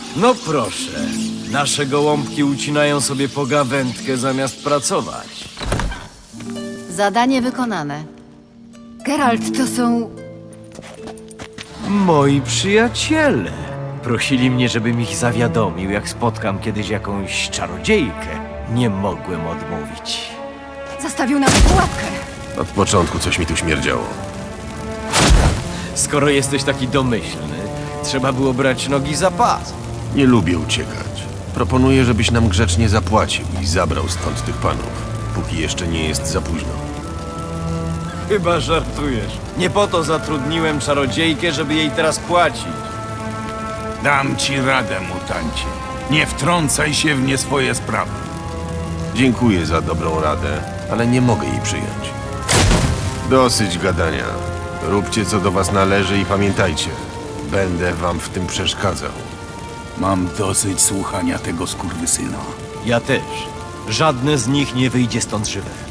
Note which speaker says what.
Speaker 1: No proszę, nasze gołąbki ucinają sobie pogawędkę zamiast pracować.
Speaker 2: Zadanie wykonane. Geralt, to są...
Speaker 1: Moi przyjaciele. Prosili mnie, żebym ich zawiadomił, jak spotkam kiedyś jakąś czarodziejkę. Nie mogłem odmówić.
Speaker 2: Zastawił nas w pułapkę.
Speaker 3: Od początku coś mi tu śmierdziało.
Speaker 1: Skoro jesteś taki domyślny, trzeba było brać nogi za pas.
Speaker 3: Nie lubię uciekać. Proponuję, żebyś nam grzecznie zapłacił i zabrał stąd tych panów, póki jeszcze nie jest za późno.
Speaker 1: Chyba żartujesz. Nie po to zatrudniłem czarodziejkę, żeby jej teraz płacić.
Speaker 4: Dam ci radę, mutancie. Nie wtrącaj się w nie swoje sprawy.
Speaker 3: Dziękuję za dobrą radę, ale nie mogę jej przyjąć. Dosyć gadania. Róbcie, co do was należy i pamiętajcie, będę wam w tym przeszkadzał.
Speaker 4: Mam dosyć słuchania tego skurwysyna.
Speaker 1: Ja też. Żadne z nich nie wyjdzie stąd żywe.